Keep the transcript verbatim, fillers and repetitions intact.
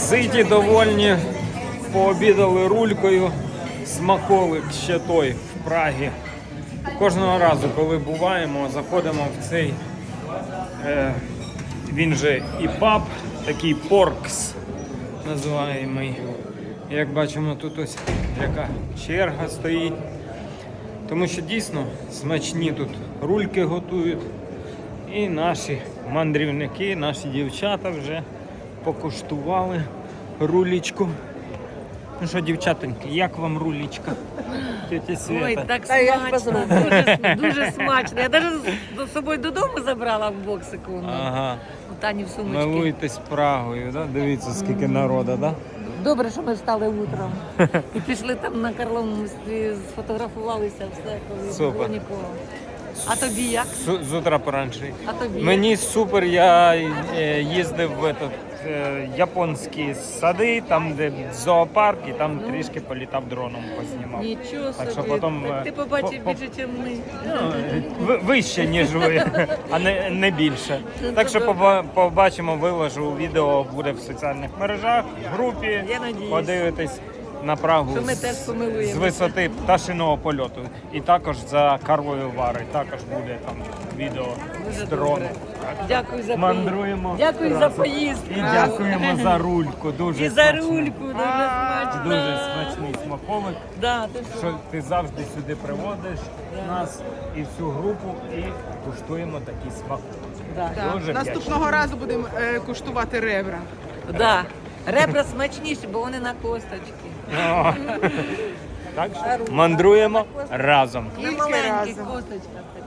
Ситі, довольні, пообідали рулькою, смаколик ще той в Прагі. Кожного разу, коли буваємо, заходимо в цей, е, він же і паб, такий поркс називаємий. Як бачимо, тут ось яка черга стоїть. Тому що дійсно смачні тут рульки готують. І наші мандрівники, наші дівчата вже покуштували рулічку. Ну що, дівчатоньки, як вам рулічка? Тетя Света. Ой, так Та я смачно, дуже, дуже смачно. Я навіть з собою додому забрала в боксику. Ну, Ага. у Тані в сумочці. Милуйтесь Прагою, да? Дивіться, скільки народу, да? Добре, що ми встали утром. І пішли там на Карловому мості, сфотографувалися, все, коли Супер. було нікого. А тобі як? З, з утра поранше. А тобі Мені супер, я е, їздив в этот, е, японські сади, там де зоопарк, і там трішки політав дроном, познімав. Нічого Так що собі. потім, Так е, ти побачив по- по- більше, ніж ми. Ну, ви- вище, ніж ви, а не, не більше. Ну, Так то що добре. поба- побачимо, виложу відео, буде в соціальних мережах, в групі. Я надіюсь. Подивитесь на Прагу Що ми з- теж помилуємося. з висоти пташиного польоту. І також за Карловою Варою, також буде там відео з Дуже дрону. добре. Дякую за Мандруємо. поїздку. Дякую за разом. поїздку. І дякуємо за рульку. Дуже І за смачно. рульку, дуже смачно. Дуже смачний смаколик, Да, ти що? що ти завжди сюди приводиш нас і всю групу і куштуємо такі смаколики. Да. Так. Дуже Наступного разу будемо е, куштувати ребра. Да. Ребра смачніші, бо вони на косточки. О. Так що мандруємо разом. На Тільки маленьких разом. косточках.